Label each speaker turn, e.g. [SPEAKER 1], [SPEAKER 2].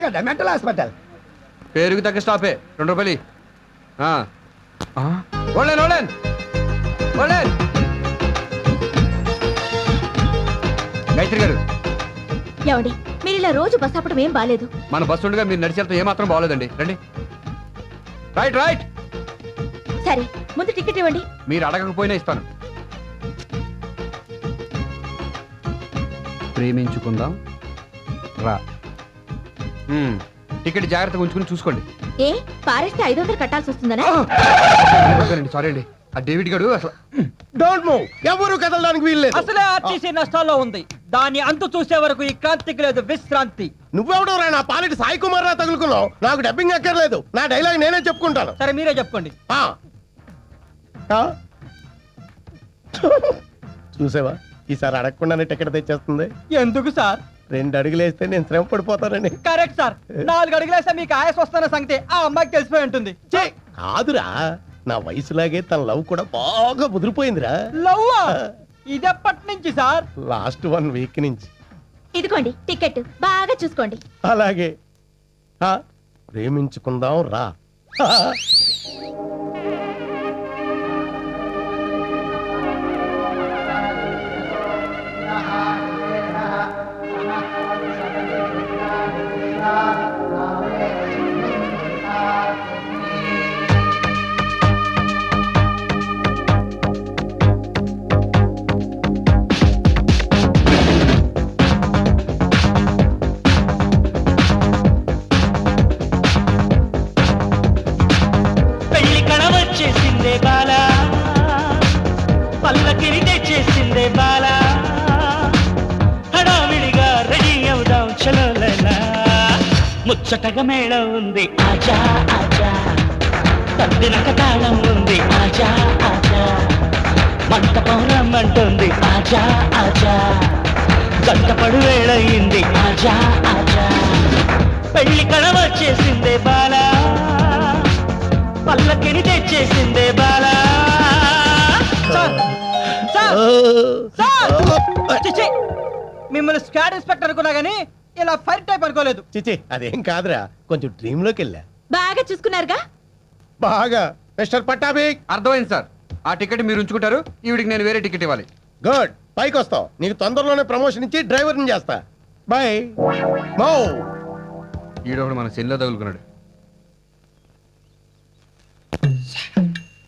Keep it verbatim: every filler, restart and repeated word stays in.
[SPEAKER 1] కదా mental hospital.
[SPEAKER 2] పేరుకి తగ్గ స్టాపే. రెండు రూపాయలు. ఓన్లైన్ ఓన్లైన్ ఓన్లైన్ గాయత్రి గారు,
[SPEAKER 3] ఏమండి మీరు ఇలా రోజు బస్ ఆపడం ఏం బాలేదు.
[SPEAKER 2] మన బస్సు ఉండగా మీరు నడిచేంత ఏమాత్రం బాగోలేదండి. రండి. Right right.
[SPEAKER 3] సరే ముందు టికెట్ ఇవ్వండి.
[SPEAKER 2] మీరు అడగకపోయినా ఇస్తాను. ప్రేమించుకుందాం రా. మ్మ్. టికెట్ జాగ్రత్తగా ఉంచుకుని చూసుకోండి.
[SPEAKER 3] ఏ పారేస్తే ఐదు వందలు కట్టాల్సి వస్తుందనా?
[SPEAKER 2] సారీ అండి. ఆ డేవిడ్ గారు అసలు
[SPEAKER 1] డోంట్ మూవ్. ఎవరు కదలడానికి వీల్లేదు.
[SPEAKER 4] అసలే ఆర్టీసీ నష్టాల్లో ఉంది. దాని అంతు చూసే వరకు ఈ క్రాంతికి లేదు విశ్రాంతి.
[SPEAKER 1] నువ్వెవడో రా నా పాలిటి సాయి కుమార్ రా తగులుకున్నావు. నాకు డబ్బింగ్ అక్కర్లేదు. నా డైలాగ్ నేనే చెప్పుకుంటాను.
[SPEAKER 4] సరే మీరే చెప్పండి.
[SPEAKER 1] ఆ. ఆ? చూసావా ఈసారి అడగకుండానే టికెట్ తెచ్చేస్తుంది.
[SPEAKER 4] ఎందుకు సార్?
[SPEAKER 1] రెండు అడుగులు వేస్తే నేను శ్రమ పడిపోతానని.
[SPEAKER 4] Correct sir. నాలుగు అడుగులేస్తే మీకు ఆయాస వస్తున్న సంగతి ఆ అమ్మాయికి తెలిసిపోయి ఉంటుంది.
[SPEAKER 1] ఛీ, కాదురా నా వయసులాగే తన లవ్ కూడా బాగా ముదిరిపోయిందిరా.
[SPEAKER 4] లవ్వా? ఇదెప్పటి నుంచి సార్?
[SPEAKER 1] లాస్ట్ వన్ వీక్ నుంచి.
[SPEAKER 3] ఇదిగోండి టికెట్ బాగా చూసుకోండి.
[SPEAKER 1] అలాగే. ఆ, ప్రేమించుకుందాం రా.
[SPEAKER 5] పెళ్లి కడవచ్చేసిందే బాల, పల్లకిని తెచ్చేసిందే బాల, హడావిడిగా రెడీ అవుదాం చలోలలా, ముచ్చటగా మేళం ఉంది ఆజా ఆజా, తద్దినక తాళం ఉంది ఆజా ఆజా, మంటపం రమ్మంటుంది ఆజా ఆజా, గంటపడు వేళయింది ఆజా ఆజా, పెళ్లి కడవచ్చేసిందే బాల, పల్లకిని తెచ్చేసిందే బాలా.
[SPEAKER 4] సార్ సార్ సార్ చిచి, మిమ్మల్ని స్క్వాడ్ ఇన్స్పెక్టర్ అనుకున్నా గానీ ఇలా ఫైర్ టైప్ అనుకోలేదు.
[SPEAKER 1] చిచి అదేం కాదురా, కొంచెం డ్రీమ్ లోకి వెళ్ళా.
[SPEAKER 3] బాగా చూసుకున్నారుగా?
[SPEAKER 1] బాగా. మిస్టర్ పట్టాభి.
[SPEAKER 2] అర్థమైంది సార్. ఆ టికెట్ మీరు ఉంచుకుంటారు. ఈవిడికి నేను వేరే టికెట్ ఇవ్వాలి.
[SPEAKER 1] గుడ్. పైకి వస్తావు. నీకు తొందరలోనే ప్రమోషన్ ఇచ్చి డ్రైవర్ని చేస్తా. బాయ్. మో.
[SPEAKER 2] ఈడొకడు మన సెల్లో తగులుకున్నాడు.